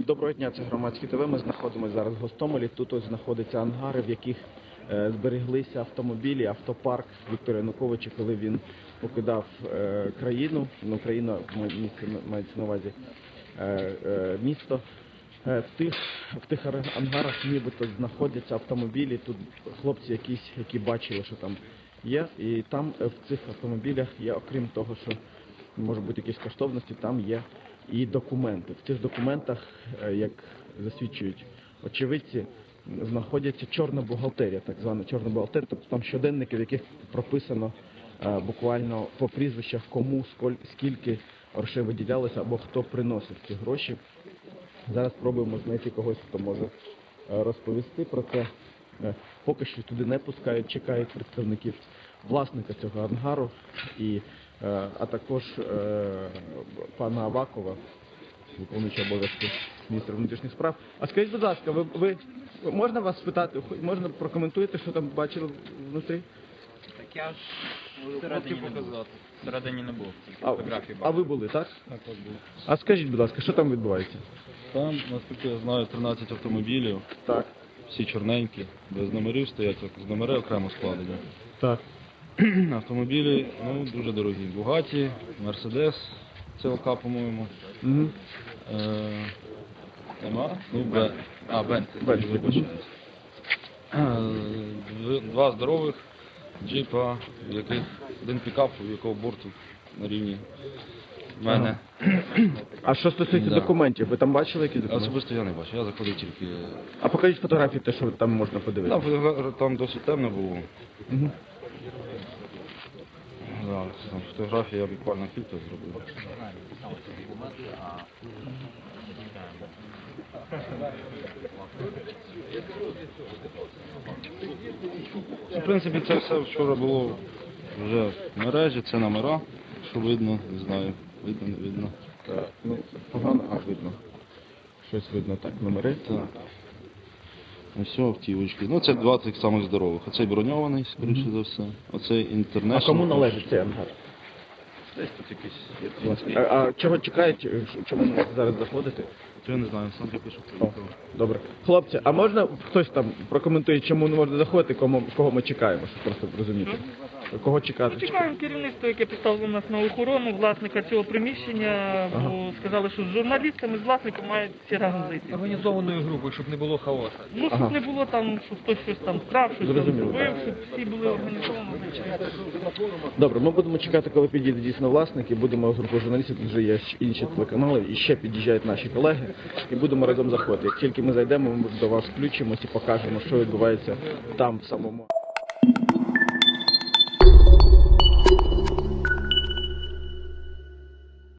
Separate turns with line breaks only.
Доброго дня, це Громадське ТВ. Ми знаходимося зараз в Гостомелі. Тут ось знаходяться ангари, в яких збереглися автомобілі, автопарк Віктора Януковича, коли він покидав країну. Ну, країна мається на увазі місто. В тих ангарах нібито знаходяться автомобілі. Тут хлопці якісь, які бачили, що там є. І там в цих автомобілях є, окрім того, що може бути якісь коштовності, там є і документи. В цих документах, як засвідчують очевидці, знаходяться чорна бухгалтерія, так звана чорна бухгалтерія, тобто там щоденники, в яких прописано буквально по прізвищах, кому, скільки грошей виділялося або хто приносив ці гроші. Зараз спробуємо знайти когось, хто може розповісти про це. Поки що туди не пускають, чекають представників власника цього ангару, а також пана Авакова, виконуючого обов'язки міністра внутрішніх справ. А скажіть, будь ласка, ви можна вас спитати, можна прокоментуєте, що там бачили внутрі?
Так я ж всередині не був. Всередині не був, тільки фотографії бачив.
А ви були, так?
Так, от був.
А скажіть, будь ласка, що там відбувається?
Там, наскільки я знаю, 13 автомобілів,
Так.
всі чорненькі, без номерів стоять, з номери окремо складені.
Так.
Автомобілі, ну, дуже дорогі. Бугаті, Мерседес, ЦЛК, по-моєму.
Угу.
Нема? Ну, Бентлі.
Бентлі.
Два здорових джипа, в яких один пікап, у якого борту на рівні мене.
А що стосується документів, ви там бачили якісь документи?
Особисто я не бачу, я заходив тільки...
А покажіть фотографії, те, що там можна подивитися.
Там досить темно було.
Угу.
Да, там фотографії я буквально кілька зробив. В принципі, це все вчора було вже в мережі, це номера, що видно, не знаю, видно, не видно.
Так, ну, погано, видно. Щось видно, так, номери.
Так. Ось автівочки. Ну, це два тих самих здорових. Оцей броньований, скоріше за все. Оцей інтернешнл.
А кому належить цей ангар?
Десь тут якийсь.
А чого чекають, чому не можете зараз заходити?
Я не знаю, сам я пишу.
Добре. Хлопці, а можна хтось там прокоментує, чому не можна заходити, кого ми чекаємо, щоб просто розуміти? Кого чекати?
Чекаємо керівництво, яке поставило нас на охорону, власника цього приміщення, бо сказали, що з журналістами, з власником мають всі разом зайти.
Організованою групою, щоб не було хаосу.
Ну, щоб не було там, що хтось щось там вкрав, щось там
Зрозуміло.
зробив, щоб всі були організовані.
Добре, ми будемо чекати, коли підійде дійсно власник, і будемо групу журналістів, тут вже є інші телеканали, і ще під'їжджають наші колеги, і будемо разом заходити. Як тільки ми зайдемо, ми до вас включимось і покажемо, що відбувається там в самому.